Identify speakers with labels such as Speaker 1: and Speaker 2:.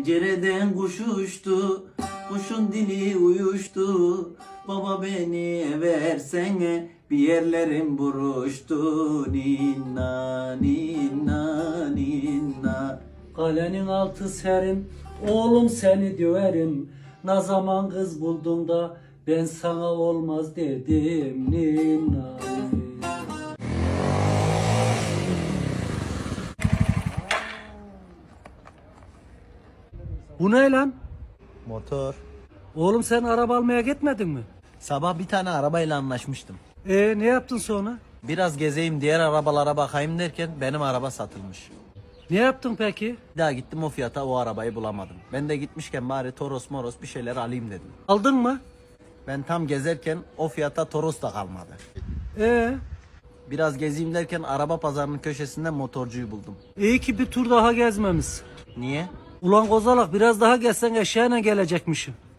Speaker 1: Pencereden kuş uçtu, kuşun dili uyuştu. Baba beni versene, bir yerlerim buruştu. Ninna ninna ninna.
Speaker 2: Kalenin altı serin, oğlum seni döverim. Ne zaman kız buldun da ben sana olmaz dedim. Ninna. Bu ne lan?
Speaker 3: Motor.
Speaker 2: Oğlum sen araba almaya gitmedin mi?
Speaker 3: Sabah bir tane arabayla anlaşmıştım.
Speaker 2: Ne yaptın sonra?
Speaker 3: Biraz gezeyim diğer arabalara bakayım derken benim araba satılmış.
Speaker 2: Ne yaptın peki?
Speaker 3: Bir daha gittim o fiyata o arabayı bulamadım. Ben de gitmişken bari Toros moros bir şeyler alayım dedim.
Speaker 2: Aldın mı?
Speaker 3: Ben tam gezerken o fiyata Toros da kalmadı.
Speaker 2: Ee,
Speaker 3: Biraz gezeyim derken araba pazarının köşesinde motorcuyu buldum.
Speaker 2: iyi ki bir tur daha gezmemişsin.
Speaker 3: Niye?
Speaker 2: Ulan kozalak biraz daha gezsen eşeğine gelecekmişim.